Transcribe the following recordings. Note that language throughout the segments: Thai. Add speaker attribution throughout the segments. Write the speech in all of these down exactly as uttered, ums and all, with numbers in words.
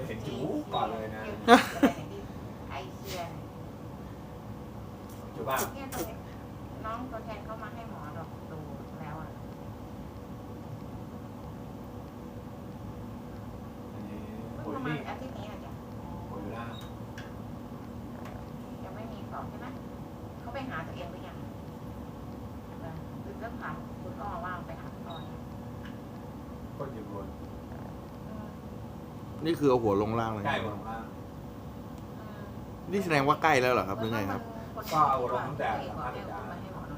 Speaker 1: เห็นจูก่อนเลยนะ
Speaker 2: ไอเคียน
Speaker 1: จูบ้า
Speaker 2: เนี่ยตัวน้องตัวแทนเข้ามาให้หมอดอกดูแล้วอ่ะ
Speaker 1: อันนี้
Speaker 2: เพิ่ง
Speaker 1: ปุ๋ย
Speaker 2: ประมา
Speaker 1: นี่
Speaker 2: ณอาทิตย์นี้อ่ะจ้ะ
Speaker 1: ปุ๋ยล่าง
Speaker 2: ยังไม่มีของใช่ไหมเขาไปหาตัวเองหรือยังคือเรื่องถามคุณอ้อว่าไปหาคุณอ้อ
Speaker 1: ก็อยู่บน
Speaker 3: นี่คือเอาหัวลงล่างเลย
Speaker 1: ใกล้บนล่าง
Speaker 3: นี่แสดงว่าใกล้แล้วเหรอครับหรือไงครับ
Speaker 1: ก็เอาลงตั้งแต่สัมภาษณ์อาจารย์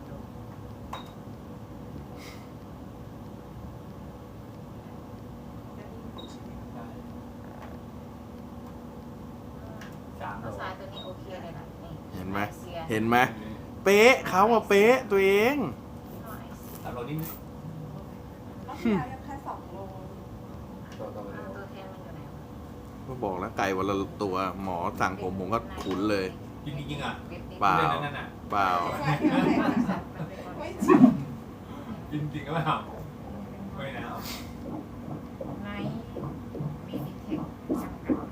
Speaker 1: สามโล
Speaker 2: ทรายตัวนี้โอเคเลยนะนี่
Speaker 3: เห็นไหมเห็นไหมเป๊ะเขาอะเป๊ะตัวเอง
Speaker 1: สามโลนี่
Speaker 4: รอบที่แล้วยังแค่สองโล
Speaker 1: ตัวตัวเร็ว
Speaker 2: ตัวแทนมันอยู่ไหน
Speaker 3: ก็บอกแล้วไก่วันละตัวหมอสั่งผมผมก็ขุนเลย
Speaker 1: จริงจริงอ่ะ
Speaker 3: เปล่า
Speaker 1: นั่นน่ะ
Speaker 3: เปล่า
Speaker 4: ไม่จริง
Speaker 1: จริงจริงก็ไม่เอาไม่นะเอา
Speaker 2: ในมีดิเทคจำกัด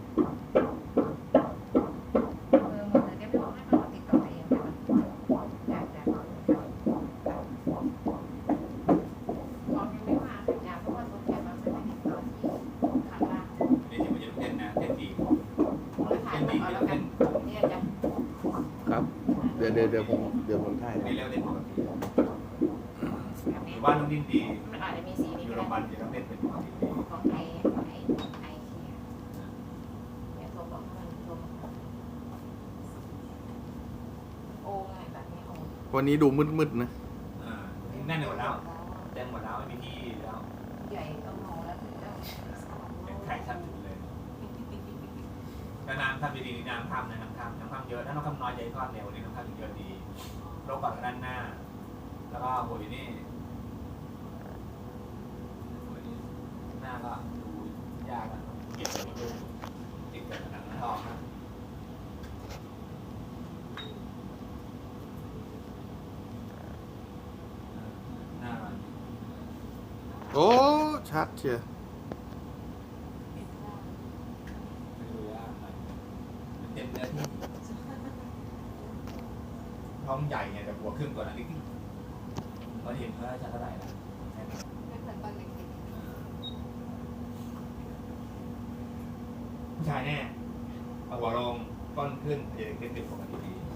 Speaker 2: เออหมดเลยเดี๋ยวไม่บอกให้มันติดต่อเองแต่ว่าอยากจะของยังไม่มาสัญญาเพราะว่าตัวแทนมันไม่ได้ติดต่อที่ข้างล่าง
Speaker 1: นี่ที่มันจะเต้นนะเต้นดี
Speaker 2: แล้วถ่ายมาเอาแล้วกันเนี่ยจ้ะ
Speaker 3: ครับ เดี๋ยวเดี๋ยวเดี๋ยวผมเดี๋ยวผมถ่าย
Speaker 1: นี่เร็วเต้นปกติ
Speaker 2: แบบ
Speaker 1: ห
Speaker 2: นี้
Speaker 1: รือว่าน้องดิ้นดี
Speaker 2: มันอาจจะมีสี
Speaker 1: อ
Speaker 2: นี้
Speaker 1: ยู่
Speaker 2: ก็
Speaker 1: โรงพยาบา
Speaker 2: ได้
Speaker 1: ลจะต้องเต้นเป็นปกติดี
Speaker 2: ของไอของไอไอเคียเนี่ยโทรบอกให้มันโทรบอกโอ้ไงแบบนี้โอ้
Speaker 3: วันนี้ดูมืดๆนะ
Speaker 1: อ่าแน่นหมดแล้วเต็มหมดแล้วไม่มีที่แล้ว
Speaker 2: ใหญ่ต้องมองแล้วถึงจะ
Speaker 1: เป็นไข่ชัดสุดเลยแต่น้ำทำดีๆน้ำทำนะน้ำทำน้ำทำเยอะถ้าน้ำทำน้อยใจทอดเร็วนี่น้ำทำเยอะดีโรคก่อนด้านหน้า แล้วก็หัวนี่หน้าก็ดูยากอะเก็บไปดูติดกับหนังทองนะหน้ามัน
Speaker 3: โอ้ชัดเชียว
Speaker 1: ไม่ดูยากมันมันเต็มเนื้อที่ท้องใหญ่เนี่ยแต่หัวครึ่งตัวนั้นนิดๆเราเห็นเขาจะเท่าไหร่นะ
Speaker 4: ไม่เหมือนตอนเด็ก
Speaker 1: ผู้ชายแน่เอาหัวลงก้อนขึ้นเด็กเด็กปกติดี